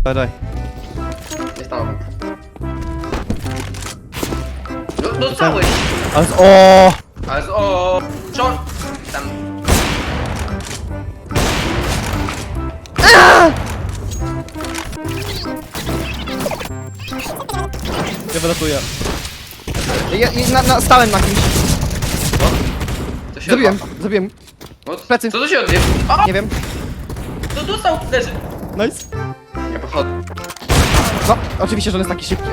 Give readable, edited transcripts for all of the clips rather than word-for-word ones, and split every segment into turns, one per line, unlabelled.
Daj.
Jest tam. Dostałeś!
Ale o!
Ale o! Short! Tam.
Ja wylatuję. Stałem na kimś.
To się
Zabiłem.
What?
Plecy.
Co to się odwie? O!
Nie wiem.
To dostał! Leży!
Nice.
Ja podchodzę.
No, oczywiście, że on jest taki szybki.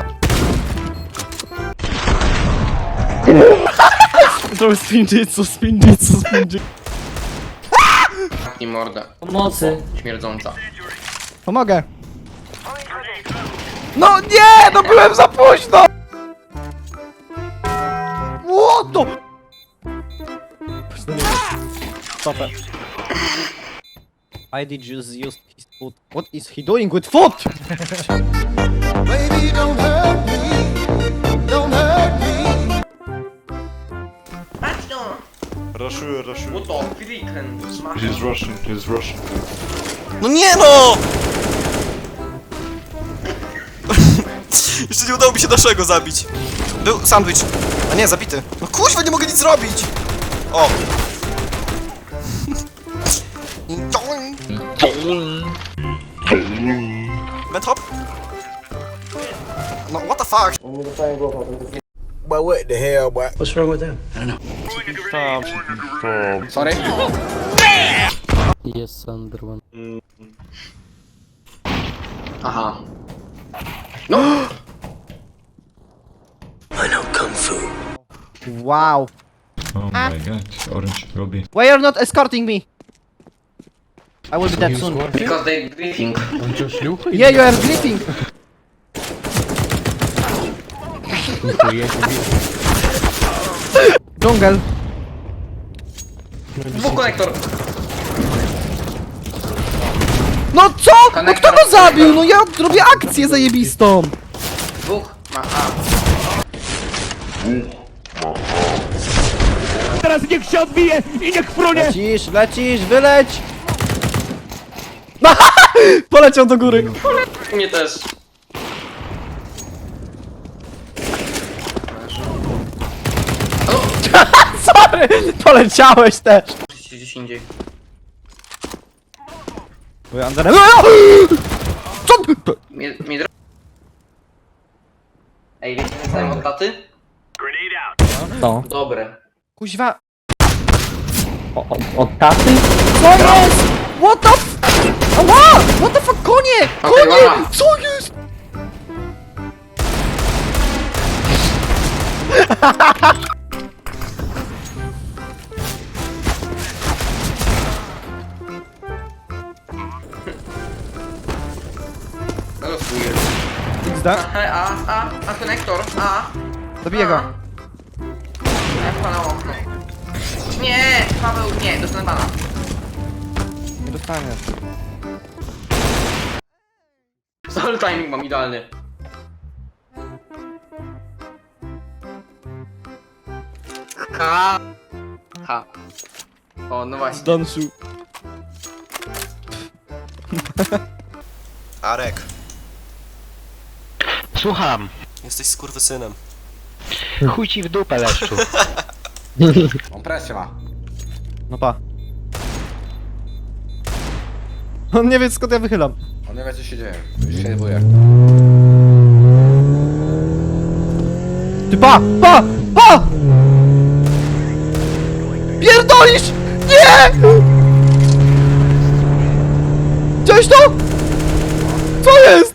Trochę spinjitsu.
Zamknij mordę.
Pomocy.
Śmierdząca.
Pomogę. No nie! No byłem za późno! What the... Stopę. I did just use his foot. What is he doing with foot?
Baby, don't hurt me. Don't hurt me.
Patrz no!
Raszuję.
What the freaking smash.
He's Russian.
No nie no! Jeszcze nie udało mi się naszego zabić. Był sandwich. A nie, zabity. No kuźwa, nie mogę nic zrobić! O! Benthop? No what the fuck?
But what the hell, boy?
What's wrong with them?
Sorry?
Jest under one.
Aha. No!
Wow.
Oh my god, orange lobby.
Why you're not escorting me? I will be dead soon.
Because they briefing.
Yeah, you are gripping. Dżungel.
Dwóch konektor.
No co? No kto go zabił? No ja robię akcję zajebistą.
Dwóch. Ma A.
Lecisz, wyleć. Poleciał do góry.
U mnie też.
Sorry, poleciałeś też.
Musicie gdzieś indziej.
Bo Anderem. Co?
Mnie Ej, wiecie, co dostałem od taty?
No.
Dobre.
Kuźwa.
Od taty?
Co jest? What the f... Ała! What the fuck? Konie!
Okej,
Konie!
dobra.
Co jest?
No to swój.
XD?
A, konektor. A.
Zabiję go.
Ja pana okno. Nie, Paweł, nie, dostanę bana.
Nie dostaniesz.
Ale timing mam idealny. Ha. Ha. O, no właśnie.
Don't shoot.
Arek,
Słucham.
jesteś skurwysynem.
Chuj ci w dupę, leszczu.
On presję ma.
No pa. On nie wie skąd ja wychylam.
On nie wie co się dzieje. Już się buje.
Ty pa! Pierdolisz! Nie! Widziałeś to? Co jest?